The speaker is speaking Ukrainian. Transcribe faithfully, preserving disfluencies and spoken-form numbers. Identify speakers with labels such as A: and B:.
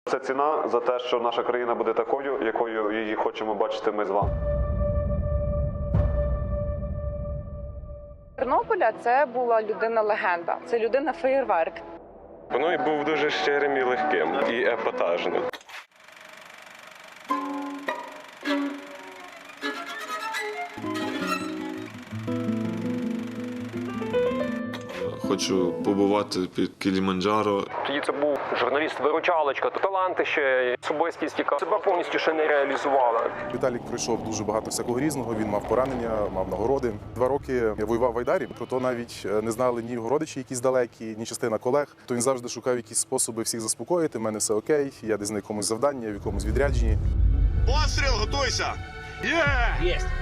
A: Це ціна за те, що наша країна буде такою, якою її хочемо бачити ми з вами.
B: Тернополя це була людина-легенда, це людина-феєрверк.
C: Воно і був дуже щирим і легким, і епатажним.
D: Хочу побувати під Кіліманджаро.
E: Тоді це був журналіст-виручалочка, таланти ще, особистість, яка себе повністю ще не реалізувала.
F: Віталік пройшов дуже багато всякого різного, він мав поранення, мав нагороди. Два роки я воював в Айдарі, про то навіть не знали ні його родичі якісь далекі, ні частина колег. То він завжди шукав якісь способи всіх заспокоїти, в мене все окей, я десь на якомусь завданні, в якомусь відрядженні.
G: Постріл, готуйся! Є!
H: Єсть!